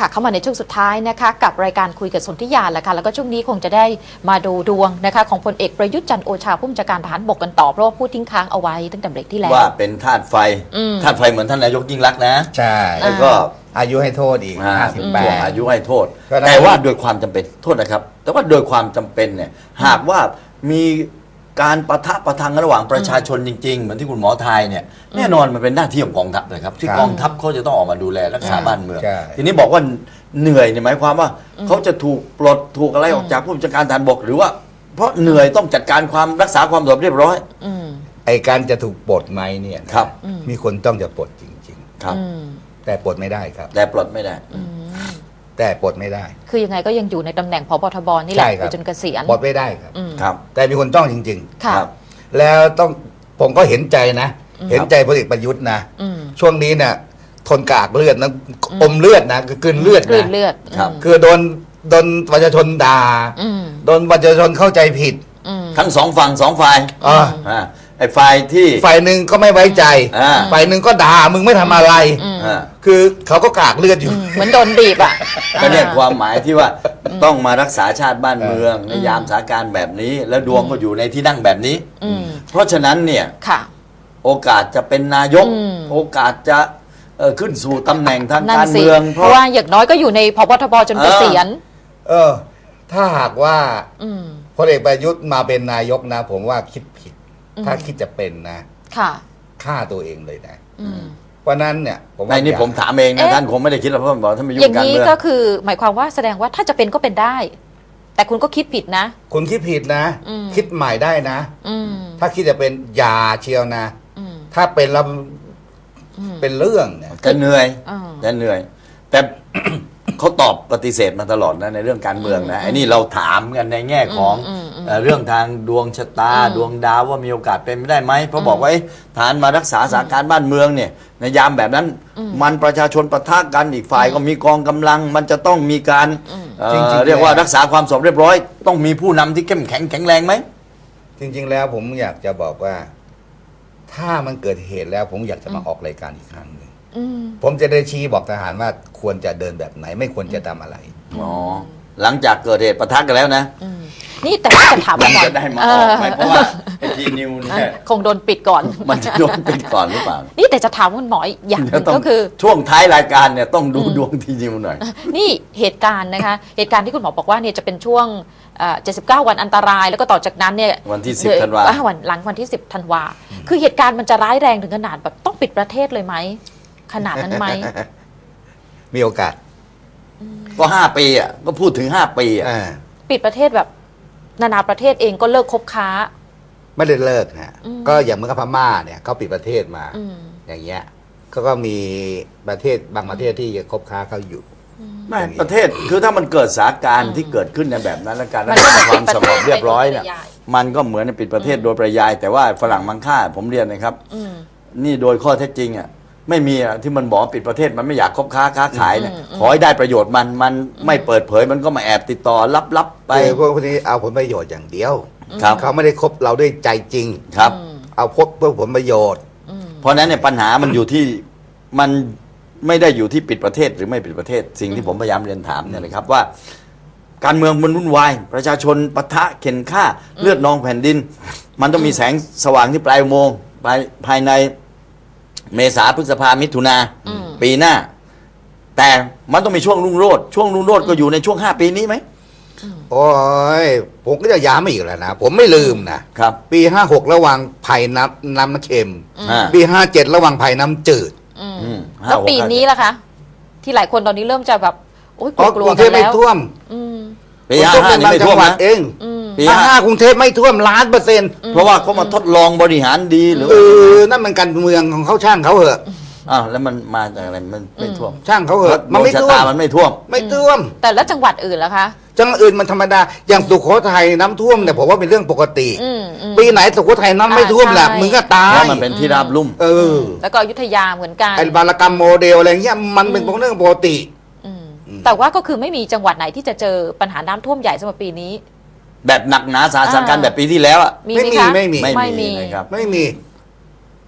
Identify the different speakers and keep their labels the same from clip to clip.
Speaker 1: เข้ามาในช่วงสุดท้ายนะคะกับรายการคุยกับสนธิยาแหละค่ะแล้วก็ช่วงนี้คงจะได้มาดูดวงนะคะของพลเอกประยุทธ์จันทร์โอชาผู้บัญชาการทหารบกกันต่อเพราะว่าพูดทิ้งค้างเอาไว้ตั้งแต่เบรกที่แล้ว
Speaker 2: ว่าเป็นธาตุไฟเหมือนท่านนายกยิ่งลักษณ์นะ
Speaker 3: ใช่
Speaker 2: แล้วก็
Speaker 3: อายุให้โทษอีก58
Speaker 2: อายุให้โทษแต่ว่าโดยความจำเป็นโทษนะครับแต่ว่าโดยความจำเป็นเนี่ยหากว่ามีการปะทะประทังระหว่างประชาชนจริงๆเหมือนที่คุณหมอทายเนี่ยแน่นอนมันเป็นหน้าที่ของกองทัพนะครับที่กองทัพเขาจะต้องออกมาดูแลรักษาบ้านเมืองทีนี้บอกว่าเหนื่อยเนี่ยหมายความว่าเขาจะถูกปลดถูกอะไรออกจากผู้บัญชาการทหารบกหรือว่าเพราะเหนื่อยต้องจัดการความรักษาความสงบเรียบร้อย
Speaker 3: ไอการจะถูกปลดไหมเนี่ย
Speaker 2: ครับ
Speaker 3: มีคนต้องจะปลดจริง
Speaker 2: ๆครับ
Speaker 3: แต่ปลดไม่ได้ครับ
Speaker 2: แต่ปลดไม่ได้
Speaker 3: แต่ปลดไม่ได้
Speaker 1: คือยังไงก็ยังอยู่ในตำแหน่งผบ.ทบ.นี่แหละจนเกษียณ
Speaker 3: ปลดไม่ได้ครับ
Speaker 2: ครับ
Speaker 3: แต่มีคนต้องจริง
Speaker 1: ๆครับ
Speaker 3: แล้วต้องผมก็เห็นใจนะเห็นใจพลเอกประยุทธ์นะช่วงนี้เนี่ยทนกากเลือดนะอมเลือดนะคือกลืนเลือดนะคือโดนประชาชนด่าโดนประชาชนเข้าใจผิด
Speaker 2: ทั้งสองฝั่งสองฝ่ายไอ้ฝ่ายที่
Speaker 3: ฝ่ายหนึ่งก็ไม่ไว้ใจฝ่ายหนึ่งก็ด่ามึงไม่ทำอะไรคือเขาก็กากเลือดอยู่
Speaker 1: เหมือนโดนบีบอ่ะ
Speaker 2: ก็เนี่ยความหมายที่ว่าต้องมารักษาชาติบ้านเมืองในยามสถานการณ์แบบนี้แล้วดวงก็อยู่ในที่นั่งแบบนี้เพราะฉะนั้นเนี่ยโอกาสจะเป็นนายกโอกาสจะขึ้นสู่ตำแหน่งทางการเมือง
Speaker 1: เพราะว่าอย่างน้อยก็อยู่ในผบ.ทบ.จนเกษียณ
Speaker 3: ถ้าหากว่าพลเอกประยุทธ์มาเป็นนายกนะผมว่าคิดผิดถ้าคิดจะเป็นนะฆ่าตัวเองเลยนะเพราะนั้นเนี่ย
Speaker 2: ในนี้ผมถามเองนะท่านคงไม่ได้คิดหรอกเพราะบอกท่านไม่ยุ่งการเมือง
Speaker 1: อย่างนี้ก็คือหมายความว่าแสดงว่าถ้าจะเป็นก็เป็นได้แต่คุณก็คิดผิดนะ
Speaker 3: คุณคิดผิดนะคิดใหม่ได้นะถ้าคิดจะเป็นอย่าเชียวนะถ้าเป็นแล้วเป็นเรื่องเนี่ย
Speaker 2: จะเหนื่อยแต่เขาตอบปฏิเสธมาตลอดนะในเรื่องการเมืองนะไอ้นี่เราถามกันในแง่ของเรื่องทางดวงชะตาดวงดาวว่ามีโอกาสเป็นไม่ได้ไหมเพราะบอกว่าฐานมารักษาสถานการณ์บ้านเมืองเนี่ยในยามแบบนั้นมันประชาชนปะทะกันอีกฝ่ายก็มีกองกำลังมันจะต้องมีการเรียกว่ารักษาความสงบเรียบร้อยต้องมีผู้นำที่เข้มแข็งแข็งแรงไหม
Speaker 3: จริงๆแล้วผมอยากจะบอกว่าถ้ามันเกิดเหตุแล้วผมอยากจะมาออกรายการอีกครั้งหนึ่งผมจะได้ชี้บอกทหารว่าควรจะเดินแบบไหนไม่ควรจะทำอะไร
Speaker 2: หลังจากเกิดเหตุปะทะกันแล้วนะ
Speaker 1: นี่แต่ว่าจะถามว่า
Speaker 2: จะได้มาออกไหมเพราะว่าไอทีนิวเนี่ย
Speaker 1: คงโดนปิดก่อน
Speaker 2: มันจะโดนปิดก่อนหรือเปล่า
Speaker 1: นี่แต่จะถามคุณหมออย่างนึงก็คือ
Speaker 2: ช่วงท้ายรายการเนี่ยต้องดูดวงทีนิวหน่อย
Speaker 1: นี่เหตุการณ์นะคะเหตุการณ์ที่คุณหมอบอกว่าเนี่ยจะเป็นช่วง79 วันอันตรายแล้วก็ต่อจากนั้นเนี่ย
Speaker 2: วันที่10 ธันวา
Speaker 1: หลังวันที่10 ธันวาคือเหตุการณ์มันจะร้ายแรงถึงขนาดแบบต้องปิดประเทศเลยไหมขนาดนั้นไหม
Speaker 3: มีโอกาส
Speaker 2: ก็5 ปีอ่ะก็พูดถึง5 ปีอ่ะ
Speaker 1: ปิดประเทศแบบนานาประเทศเองก็เลิกคบค้า
Speaker 3: ไม่ได้เลิกฮะก็อย่างเมื่อพม่าเนี่ยเขาปิดประเทศมาอย่างเงี้ยก็มีประเทศบางประเทศที่ยังคบค้าเขาอยู่
Speaker 2: ไม่ประเทศคือถ้ามันเกิดสถานการณ์ที่เกิดขึ้นในแบบนั้นและการรักษาความสงบเรียบร้อยเนี่ยมันก็เหมือนปิดประเทศโดยปริยายแต่ว่าฝรั่งมังค่าผมเรียนนะครับนี่โดยข้อเท็จจริงอ่ะไม่มีที่มันบอกปิดประเทศมันไม่อยากคบค้าขายเนี่ยขอให้ได้ประโยชน์มันไม่เปิดเผยมันก็มาแอบติดต่อลับไป
Speaker 3: พวกนี้เอาผลประโยชน์อย่างเดียวเขาไม่ได้คบเราด้วยใจจริง
Speaker 2: ครับ
Speaker 3: เอาคบเพื่อผลประโยชน์
Speaker 2: เพราะนั้นเนี่ยปัญหามันอยู่ที่มันไม่ได้อยู่ที่ปิดประเทศหรือไม่ปิดประเทศสิ่งที่ผมพยายามเรียนถามเนี่ยนะครับว่าการเมืองมันวุ่นวายประชาชนปะทะเข็นฆ่าเลือดนองแผ่นดินมันต้องมีแสงสว่างที่ปลายอุโมงค์ภายในเมษาพฤษภามิถุนาปีหน้าแต่มันต้องมีช่วงรุ่งโรจน์ก็อยู่ในช่วง5 ปีนี้ไหม
Speaker 3: โอ้ยผมก็จะย้ำอีกแล้วนะผมไม่ลืมนะครับปี56ระหว่างไผ่น้ำเค็มปี57ระหว่างไผ่น้ำจืด
Speaker 1: แล้วปีนี้ล่ะคะที่หลายคนตอนนี้เริ่มจะแบบโอ้ยกลัว
Speaker 3: กันแล้ว
Speaker 1: ไม่
Speaker 3: ท่วม
Speaker 2: ปี55นี่ไม่ท่วมนะ
Speaker 3: เองปี55กรุงเทพไม่ท่วม100%
Speaker 2: เพราะว่าเขามาทดลองบริหารดีหรือ
Speaker 3: นั่นมันการเมืองของเขาช่างเขาเหอะ
Speaker 2: แล้วมันมาจากอะไรมันไม่ท่วม
Speaker 3: ช่างเขาเหอะ
Speaker 2: มันไม่ท่วมมันไม่ท่วม
Speaker 1: แต่แล้วจังหวัดอื่นล่ะคะ
Speaker 3: จังหวัดอื่นมันธรรมดาอย่างสุโขทัยน้ำท่วมเนี่ยผมว่าเป็นเรื่องปกติปีไหนสุโขทัยน้ำไม่ท่วมแหละมึงก็ตาย
Speaker 2: เพราะมันเป็นที่ราบลุ่ม
Speaker 1: แล้วก็อยุธยาเหมือนกัน
Speaker 3: ไอ้บารกรรมโมเดลอะไรเงี้ยมันเป็นเรื่องปกติ
Speaker 1: แต่ว่าก็คือไม่มีจังหวัดไหนที่จะเจอปัญหาน้ำท่วมใหญ่สำหรับปีนี้
Speaker 2: แบบหนักหนาสาหัสกันแบบปีที่แล้วอ่ะ
Speaker 3: ไม่มี
Speaker 2: นะครับ
Speaker 3: ไม่มี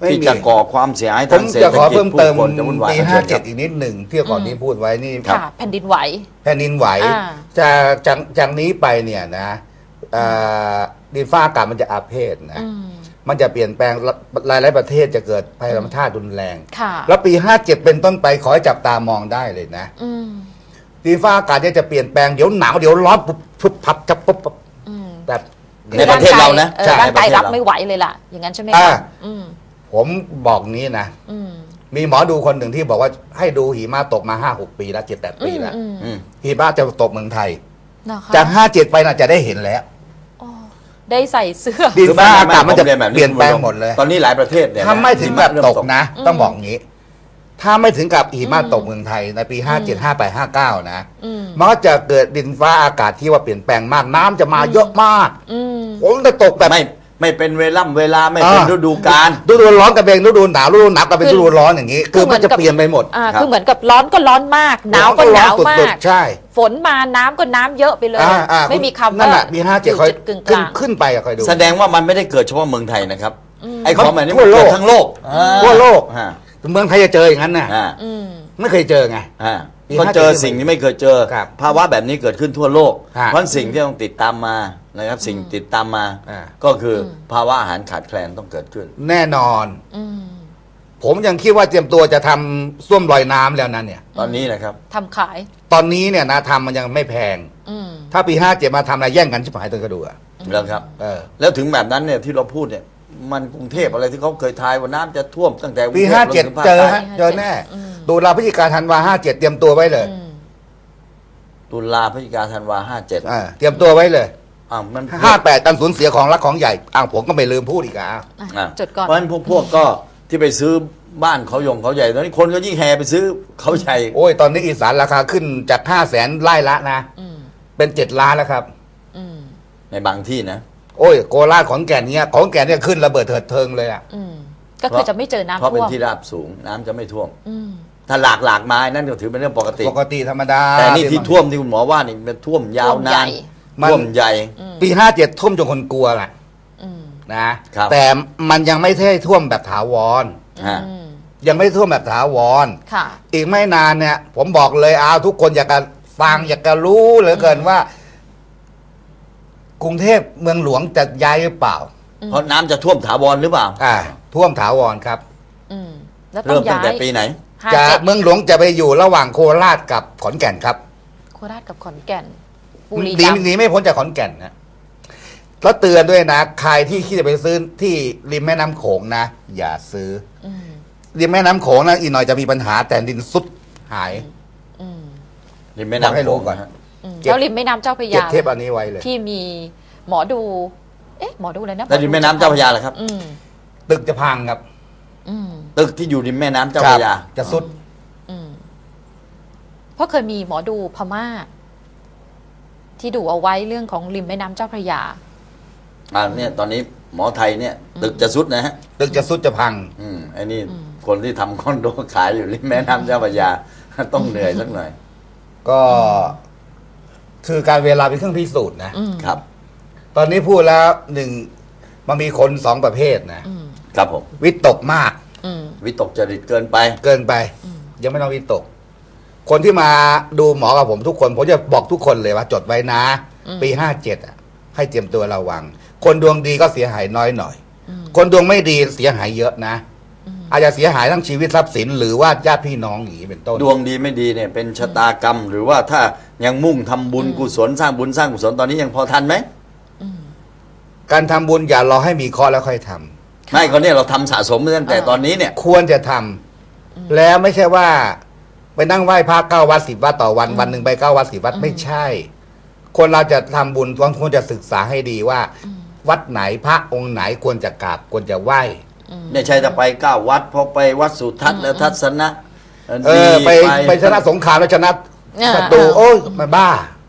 Speaker 2: ที่จะก่อความเสียหาย
Speaker 3: ผ
Speaker 2: ทาม งเศรษ
Speaker 3: จะ
Speaker 2: ฐ
Speaker 3: ขอ
Speaker 2: กิจ
Speaker 3: เพิ่ม
Speaker 2: ผู้
Speaker 3: เติม
Speaker 2: คนจะวุ่นวาย
Speaker 3: ปี 57 อีกนิดหนึ่งที่ก่อนนี้พูดไว้นี่
Speaker 1: ค่ะ แผ่นดินไหว
Speaker 3: แผ่นดินไหว
Speaker 1: อ่า
Speaker 3: จากนี้ไปเนี่ยนะดินฟ้าอากาศมันจะอาเพศนะ
Speaker 1: อืม
Speaker 3: มันจะเปลี่ยนแปลงหลายๆประเทศจะเกิดภัยธรรมชาติรุนแรง
Speaker 1: ค่ะ
Speaker 3: แล้วปี 57 เป็นต้นไปขอให้จับตามองได้เลยนะ
Speaker 1: อืม
Speaker 3: ดินฟ้าอากาศเนี่ยจะเปลี่ยนแปลงเดี๋ยวหนาวเดี๋ยวร้อนปุ๊บปุ๊บพับจับปุ๊บปุ๊บ
Speaker 1: อืม
Speaker 3: แต่
Speaker 2: ในประเทศเรานะ
Speaker 1: ออร่างกาย
Speaker 2: ในประเทศ
Speaker 1: รับ
Speaker 2: เรา
Speaker 1: ไม่ไหวเลยล่ะ อย่างนั้นใช่ไหม
Speaker 3: อ่า
Speaker 1: คะอืม
Speaker 3: ผมบอกนี้นะ
Speaker 1: อืม
Speaker 3: มีหมอดูคนหนึ่งที่บอกว่าให้ดูหิมะตกมา 5-6 ปีแล้ว7-8 ปีแล้ว
Speaker 1: อืม
Speaker 2: อืม
Speaker 3: หิมะจะตกเมืองไทย
Speaker 1: นะคะ
Speaker 3: จาก 57 ไปน่ะจะได้เห็นแล้ว
Speaker 1: อ๋อได้ใส่เสื้อ
Speaker 3: ดินฟ้า
Speaker 2: คือ
Speaker 3: อากาศมันจะ
Speaker 2: ผรีแบบ
Speaker 3: เปลี่ยนแปลงหมดเลย
Speaker 2: ตอนนี้หลายประเทศเนี่ย
Speaker 3: ถ้าไม่ถึงกับ
Speaker 2: เริ่
Speaker 3: ตกนะ ต้องบอกงี้ ถ้าไม่ถึงกับหิมะตกเมืองไทยในปี 57 58 59 นะ
Speaker 1: อืม
Speaker 3: มันก็จะเกิดดินฟ้าอากาศที่ว่าเปลี่ยนแปลงมากน้ำจะมาเยอะมาก
Speaker 1: อืม
Speaker 3: ผมจะตกแบบ
Speaker 2: ไม่เป็นเวลาไม่เป็นฤดูกาล
Speaker 3: ฤดูร้อนกับเป็นฤดูหนาวฤดูหนาวกับเป็นฤดูร้อนอย่างนี้ คือมันจะเปลี่ยนไปหมด
Speaker 1: อ่าคือเหมือนกับร้อนก็ร้อนมาก หนาวก็หนาวมา
Speaker 3: สุด
Speaker 1: ก
Speaker 3: ๆใช่
Speaker 1: ฝนมาน้ำก็น้ำเยอะไปเลย ไม่มีคำ
Speaker 3: นั่
Speaker 1: ว่าน
Speaker 3: แหละมี57คอย
Speaker 1: จุดกึ่งกลาง
Speaker 3: ขึ้นไปอะคอยดู
Speaker 2: แสดงว่ามันไม่ได้เกิดเฉพาะเมืองไทยนะครับ ไอ้ของแบบนี้
Speaker 3: ทั่
Speaker 2: มัน
Speaker 3: วโล
Speaker 2: เกิ
Speaker 3: ก
Speaker 2: ดทั้งโลก
Speaker 3: ทั่วโลก
Speaker 2: อ่า
Speaker 3: เมืองไทยจะเจออย่างนั้นน่ะ
Speaker 2: อ่า
Speaker 1: อืม
Speaker 3: ไม่เคยเจอไง
Speaker 2: อ่า
Speaker 3: ปี
Speaker 2: ก็เจอ
Speaker 3: 57
Speaker 2: สิ่งที่ไม่เคยเจอ
Speaker 3: ครับ
Speaker 2: ภาวะแบบนี้เกิดขึ้นทั่วโลก
Speaker 3: ฮะ
Speaker 2: เพราะสิ่งที่ต้องติดตามมานะครับ สิ่งติดตามมา
Speaker 3: อ่า
Speaker 2: ก็คือภาวะอาหารขาดแคลนต้องเกิดขึ้น
Speaker 3: แน่นอน
Speaker 1: อืม
Speaker 3: ผมยังคิดว่าเตรียมตัวจะทำส้วมลอยน้ำแล้วนะเนี่ย
Speaker 2: ตอนนี้นะครับ
Speaker 1: ทำขาย
Speaker 3: ตอนนี้เนี่ยนะทำมันยังไม่แพง
Speaker 1: อืม
Speaker 3: ถ้าปี 57 มาทำอะไรแย่งกันชิบหายตัวกระดูกอะ
Speaker 2: แล้วครับ
Speaker 3: เออ
Speaker 2: แล้วถึงแบบนั้นเนี่ยที่เราพูดเนี่ยมันกรุงเทพอะไรที่เขาเคยทายว่าน้ำจะท่วมตั้งแต่กรุง
Speaker 3: ปี
Speaker 2: เทพลงถึงภาค
Speaker 3: 57 เจอ
Speaker 2: ใต้
Speaker 3: ฮะเจอแน่
Speaker 1: อืม
Speaker 3: ตุลาพฤศจิกาธันวา57 เตรียมตัวไว้เลย
Speaker 1: อืม
Speaker 2: ตุลาพฤศจิกาธันวา57
Speaker 3: เตรียมตัวไว้เลย
Speaker 2: มัน
Speaker 3: 58การสูญเสียของรักของใหญ่ผมก็ไม่ลืมพูดอีกอ่ะ
Speaker 1: อ่ะ
Speaker 2: อ่ะ
Speaker 1: จดก่อน
Speaker 2: เพราะฉะนั้นพวกก็ที่ไปซื้อบ้านเขาใหญ่ตอนนี้คนก็ยิ่งแห่ไปซื้อเขาใหญ่
Speaker 3: โอ้ยตอนนี้อีสานราคาขึ้นจาก500,000ไร่ละนะ
Speaker 1: อืม
Speaker 3: เป็น7 ล้านแล้วครับ
Speaker 1: อืม
Speaker 2: ในบางที่นะ
Speaker 3: โอ้ยโคราชขอนแก่นเนี่ยของแก่นเนี่ยขึ้นระเบิดเถิดเทิงเลยอ่ะ
Speaker 1: อืมก็คือจะไม่เจอน้ำ
Speaker 2: เพราะเป็น
Speaker 1: ท่วม
Speaker 2: ที่ราบสูงน้ำจะไม่ท่วม
Speaker 1: อืม
Speaker 2: ถ้าหลากไม้นั่นก็ถือเป็นเรื่องปกติ
Speaker 3: ปกติธรรมดา
Speaker 2: แต่นี่ที่ท่วมที่คุณหมอว่านี่เป็นท่วมยาวนาน
Speaker 3: มัน
Speaker 2: ท่วมใหญ่
Speaker 3: ปี57ท่วมจนคนกลัวแหละ
Speaker 1: อืม
Speaker 3: นะครับ แต่มันยังไม่ใช่ท่วมแบบถาวร
Speaker 2: ฮะ
Speaker 1: อืม
Speaker 3: ยังไม่ท่วมแบบถาวร
Speaker 1: ค่ะ
Speaker 3: อีกไม่นานเนี่ย ผมบอกเลยทุกคนอยากจะฟังอยากจะรู้เหลือเกินว่า กรุงเทพเมืองหลวงจะย้ายหรือเปล่า
Speaker 2: เพราะน้ำจะท่วมถาวรหรือเปล่า
Speaker 3: ท่วมถาวรครับ
Speaker 1: อืมแล้วต้อ
Speaker 2: เริ่ม
Speaker 1: ง
Speaker 2: ตั้ง
Speaker 1: ย้า
Speaker 2: แต่
Speaker 1: ย
Speaker 2: ปีไหน
Speaker 1: 5
Speaker 3: จะ
Speaker 1: 7
Speaker 3: เมืองหลวงจะไปอยู่ระหว่างโคราชกับขอนแก่นครับ
Speaker 1: โคราชกับขอนแก่นบุรี
Speaker 3: หนี
Speaker 1: รัมย์
Speaker 3: หนีไม่พ้นจากขอนแก่นนะแล้วเตือนด้วยนะใครที่คิดจะไปซื้อที่ริมแม่น้ำโขงนะอย่าซื้อ
Speaker 1: อืม
Speaker 3: ริมแม่น้ำโขงนะอีกหน่อยจะมีปัญหาแต่ดินซุดหาย
Speaker 1: อืม
Speaker 2: ริมแม่
Speaker 3: บอกให้
Speaker 2: น้ำโข
Speaker 3: รู้
Speaker 2: ง
Speaker 3: ก่อน
Speaker 2: นะฮะ
Speaker 1: อืม
Speaker 3: เก็บ
Speaker 1: แล้วริมแม่น้ำเจ้าพระ
Speaker 3: เก็บ
Speaker 1: ยา
Speaker 3: เทปอันนี้ไว้เลย
Speaker 1: ที่มีหมอดู หมอดูอะไรนะ
Speaker 2: แล้วริมแม่น้ำเจ้าพระยาเหรอครับ
Speaker 1: อืม
Speaker 3: ตึกจะพังครับ
Speaker 1: อืม
Speaker 2: ตึกที่อยู่ริมแม่น้ำเจ้าพระยา
Speaker 3: จะซุด
Speaker 1: อืมเพราะเคยมีหมอดูพม่า ที่ดูเอาไว้เรื่องของริมแม่น้ำเจ้าพระยา
Speaker 2: เนี่ยตอนนี้หมอไทยเนี่ย ตึกจะสุดนะฮะ
Speaker 3: ตึกจะซุดจะพัง
Speaker 2: ไอ้นี่คนที่ทำคอนโดขายอยู่ริมแม่น้ำเจ้าพระยา ต้องเหนื่อยสักหน่อย
Speaker 3: ก็คือการเวลาเป็นเครื่องพิสูจน์นะ
Speaker 1: อืม
Speaker 2: ครับ
Speaker 3: ตอนนี้พูดแล้วหนึ่งมันมีคนสองประเภทนะ
Speaker 1: อืม
Speaker 2: ครับผม
Speaker 3: วิตกมาก
Speaker 1: อืม
Speaker 2: วิตกจริตเกินไป
Speaker 3: เกินไป ยังไม่ต้องวิตก คนที่มาดูหมอกับผมทุกคน ผมจะบอกทุกคนเลยว่าจดไว้นะ ปี57ให้เตรียมตัวระวัง คนดวงดีก็เสียหายน้อยหน่อย คนดวงไม่ดีเสียหายเยอะนะ อาจจะเสียหายทั้งชีวิตทรัพย์สิน หรือว่าญาติพี่น้องอย่างนี้เป็นต้น
Speaker 2: ดวงดีไม่ดีเนี่ยเป็นชะตากรรม หรือว่าถ้ายังมุ่งทำบุญกุศลสร้างบุญสร้างกุศลตอนนี้ยังพอทันไหม
Speaker 3: การทำบุญอย่ารอให้มีเคราะห์แล้วค่อยทำ
Speaker 2: ไม่ก็เนี่ยเราทำสะสมมาตั้งแต่ตอนนี้เนี่ย
Speaker 3: ควรจะทำแล้วไม่ใช่ว่า ไปนั่งไหว้พระ9 วัด 10 วัดต่อวันวันหนึ่งไป9 วัด 10 วัดไม่ใช่ คนเราจะทำบุญต้องควรจะศึกษาให้ดีว่า วัดไหนพระองค์ไหนควรจะกราบควรจะไหว้
Speaker 2: ไม่ใช่จะไป9 วัดพอไปวัดสุทัศน์แล้วทัศนะ
Speaker 3: ไปชนะสงครามแล้วชนะ
Speaker 1: อ่า
Speaker 3: ศัตรูโอ้ยมันบ้า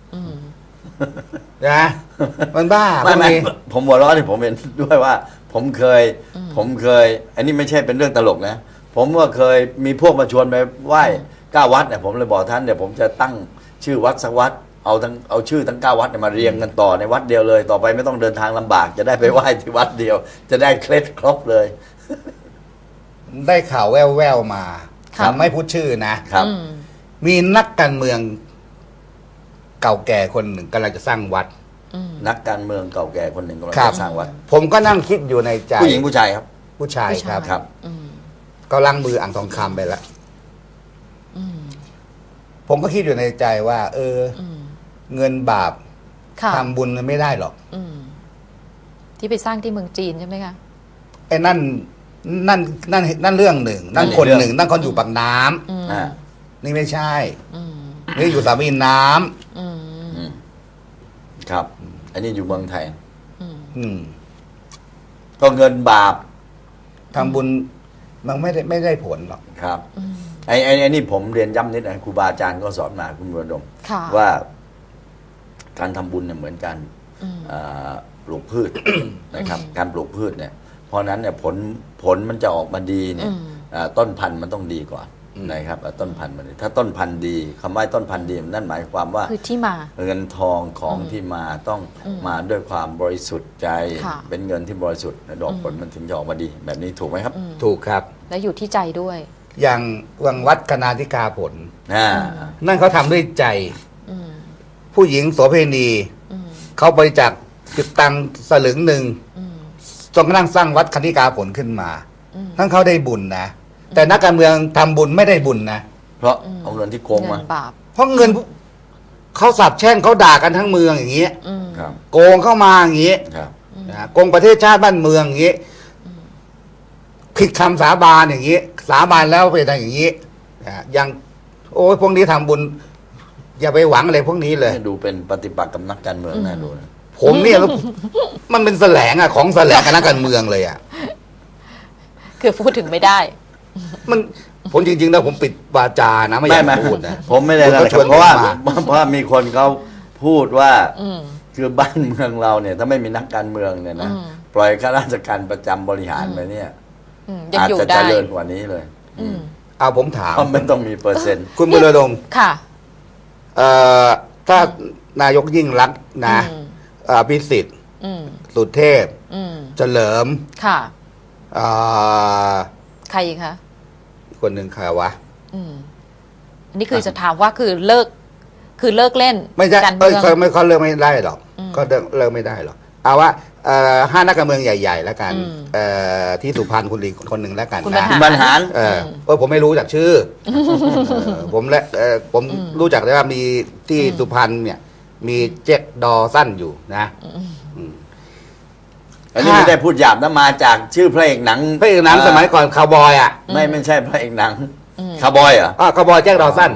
Speaker 3: นะมันบ้า
Speaker 2: ไม่
Speaker 3: พวกนี้
Speaker 2: ผมหัวเราะที่ผมเห็นด้วยว่า ผมเคย อันนี้ไม่ใช่เป็นเรื่องตลกนะ ผมก็เคยมีพวกมาชวนไปไหว้9 วัดเนี่ยผมเลยบอกท่านเดี๋ยวผมจะตั้งชื่อวัดสักวัดเอาชื่อทั้ง9 วัดเนี่ยมาเรียงกันต่อในวัดเดียวเลย ต่อไปไม่ต้องเดินทางลำบาก จะได้ไปไหว้ที่วัดเดียว จะได้เคล็ดครบเลย
Speaker 3: ได้ข่าวแว่วๆมา
Speaker 1: ครับ
Speaker 3: ไม่พูดชื่อนะครับ มีนักการเมืองเก่าแก่คนหนึ่งกำลังจะสร้างวัด
Speaker 2: นักการเมืองเก่าแก่คนหนึ่งกำลัง
Speaker 3: ครับ
Speaker 2: จะสร้างวัด
Speaker 3: ผมก็นั่งคิดอยู่ในใจ
Speaker 2: ผู้หญิงผู้ชายครับ
Speaker 3: ผู้ชาย
Speaker 1: ผู้ชาย
Speaker 3: ครับ
Speaker 2: ครับ
Speaker 3: ก็ล้างมืออ่างทองคำไปแล้วผมก็คิดอยู่ในใจว่า เงินบาป
Speaker 1: ค่ะ
Speaker 3: ทำบุญมันไม่ได้หรอก
Speaker 1: ที่ไปสร้างที่เมืองจีนใช่ไหมคะ
Speaker 3: ไอ้นั่นเรื่องหนึ่ง นั่นคนหนึ่งนั่นคนอยู่ปากน้ำ
Speaker 2: อ่า
Speaker 3: นี่ไม่ใช่นี่อยู่สามีน้ำ
Speaker 2: ครับ อันนี้อยู่เมืองไทย
Speaker 3: อืม
Speaker 2: ก็เงินบาป
Speaker 3: ทำบุญมันไม่ได้ผลหรอก
Speaker 2: ครับไอ้นี่ผมเรียนย้ำนิดนะครูบาอาจารย์ก็สอนมาคุณบุญดม
Speaker 1: ค่ะ
Speaker 2: ว่าการทำบุญเนี่ยเหมือนการปลูกพืช นะครับ การปลูกพืชเนี่ย เพราะฉะนั้นเนี่ยผลมันจะออกมาดีเนี่ยต้นพันธุ์มันต้องดีก่อนนะครับต้นพันธุ์มันถ้าต้นพันธุ์ดีคำว่าต้นพันธุ์ดีนั่นหมายความว่า
Speaker 1: คือที่มา
Speaker 2: เงินทองของที่มาต้องมาด้วยความบริสุทธิ์ใจ
Speaker 1: ค่ะ
Speaker 2: เป็นเงินที่บริสุทธิ์ดอกผลมันถึงจะออกมาดี แบบนี้ถูกไหมครับ
Speaker 3: ถูกครับ
Speaker 1: และอยู่ที่ใจด้วย
Speaker 3: อย่างวังวัดคณาธิกาผล นั่นเขาทำด้วยใจ ผู้หญิงโสเภณีเขาบริจาคจุดตังค์สลึงหนึ่งจนกระทั่งสร้างวัดคณิกาผลขึ้นมาทั้งเขาได้บุญนะแต่นักการเมืองทำบุญไม่ได้บุญนะ
Speaker 2: เพราะเอาเงินที่โกง
Speaker 1: เงิ
Speaker 2: มา
Speaker 1: นบาป
Speaker 3: เพราะเงินเขาสาบแช่งเขาด่ากันทั้งเมืองอย่างเงี้ย
Speaker 2: ครับ
Speaker 3: โกงเข้ามาอย่างเงี้ย
Speaker 2: ครับ
Speaker 3: นะโกงประเทศชาติบ้านเมืองอย่างเงี้ยผิดคำสาบานอย่างเงี้ยสาบานแล้วไปทำอย่างเงี้ยนะยังโอ้ยพวกนี้ทำบุญ อย่าไปหวังอะไรพวกนี้เลย
Speaker 2: ดูเป็นปฏิปักษ์กับนักการเมืองนะดูนะ
Speaker 3: ผมเนี่ย มันเป็นแสลงอะของแสลงกับนักการเมืองเลยอะ
Speaker 1: คือพูดถึงไม่ได้
Speaker 3: มันผมจริงๆแล้วผมปิดวาจานะไม่อยากพูดนะ
Speaker 2: ผมไม่ได้
Speaker 3: คุณ
Speaker 2: นะ
Speaker 3: ก็ชวน
Speaker 2: เพราะว่า
Speaker 3: ผมมา
Speaker 2: เพราะว่ามีคนเขาพูดว่าคือบ้านเมืองเราเนี่ย ถ้าไม่มีนักการเมืองเนี่ยนะปล่อยข้าราชการประจำบริหารไปเนี่ย
Speaker 1: ยัง
Speaker 2: อาจ
Speaker 1: อยู่
Speaker 2: จะ
Speaker 1: ได้
Speaker 2: เจริญกว่านี้เลย
Speaker 3: เอาผมถาม
Speaker 2: เพราะมันต้องมีเปอร์เซ็นต์
Speaker 3: คุณบุรดม
Speaker 1: ค่ะ
Speaker 3: ถ้านายกยิ่งรักษณ์นะพิสิทธิ์สุเทพเฉลิม
Speaker 1: ค่ะ
Speaker 3: อ่า
Speaker 1: ใครอีกคะ
Speaker 3: คนหนึ่งใครวะ
Speaker 1: อันนี้คือจะถามว่าคือเลิกเล่น
Speaker 3: ไม่ใช่
Speaker 1: การเมือง
Speaker 3: ไม่เขาเลิกไม่ได้หรอกก็เลิกไม่ได้หรอกเอาว่าห้านักการเมืองใหญ่ๆแล้วกันที่สุพรรณคุณลีคนหนึ่งแล้วกัน
Speaker 1: คุณ
Speaker 3: นะ
Speaker 1: บรรหาร
Speaker 3: ผมไม่รู้จากชื่อผมผมรู้จักได้ว่ามีที่สุพรรณเนี่ย มีเจ็กดอสั้นอยู่นะ
Speaker 2: อันนี้ไม่ได้พูดหยาบนะมาจากชื่อพระเอกหนัง
Speaker 3: พระเอกหนังสมัยก่อนคาวบอยอ่ะ
Speaker 2: ไม่ใช่พระเอกหนังคาร์บอยเหรอ
Speaker 3: คาวบอยแจ็คดอสั้น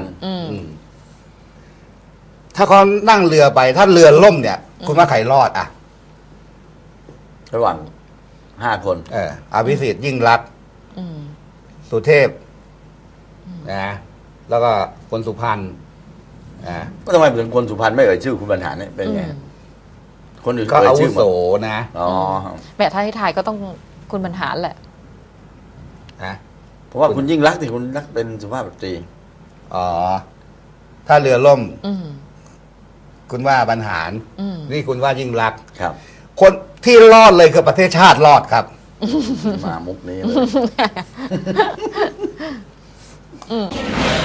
Speaker 3: ถ้าเขานั่งเรือไป ถ้าเรือล่มเนี่ย คุณว่าใครรอดอ่ะ
Speaker 2: ระหว่าง5 คน
Speaker 3: อภิสิทธิ์ยิ่งรักษณ์สุเทพนะแล้วก็คนสุพรรณ
Speaker 2: ก็ทำไมถึงคนสุพรรณไม่เอ่ยชื่อคุณบรรหารเนี่ยเป็นไงคนอื่น
Speaker 3: ก็
Speaker 2: เอ่ย
Speaker 3: อาวุ
Speaker 2: ชื่อหม
Speaker 3: โส
Speaker 2: ด
Speaker 3: นะ
Speaker 2: อ๋อ
Speaker 1: แม่ถ้าให้ทายก็ต้องคุณบรรหารแหละ
Speaker 3: นะ
Speaker 2: เพราะว่าคุณยิ่งรักษณ์ที่คุณรักเป็นสุภาพสตรี
Speaker 3: อ๋อ ถ้าเรือล่ม คุณว่าบรรหาร นี่คุณว่ายิ่งรักษณ์
Speaker 2: ครับ
Speaker 3: คนที่รอดเลยคือประเทศชาติรอดครับ
Speaker 2: มามุกนี้เลย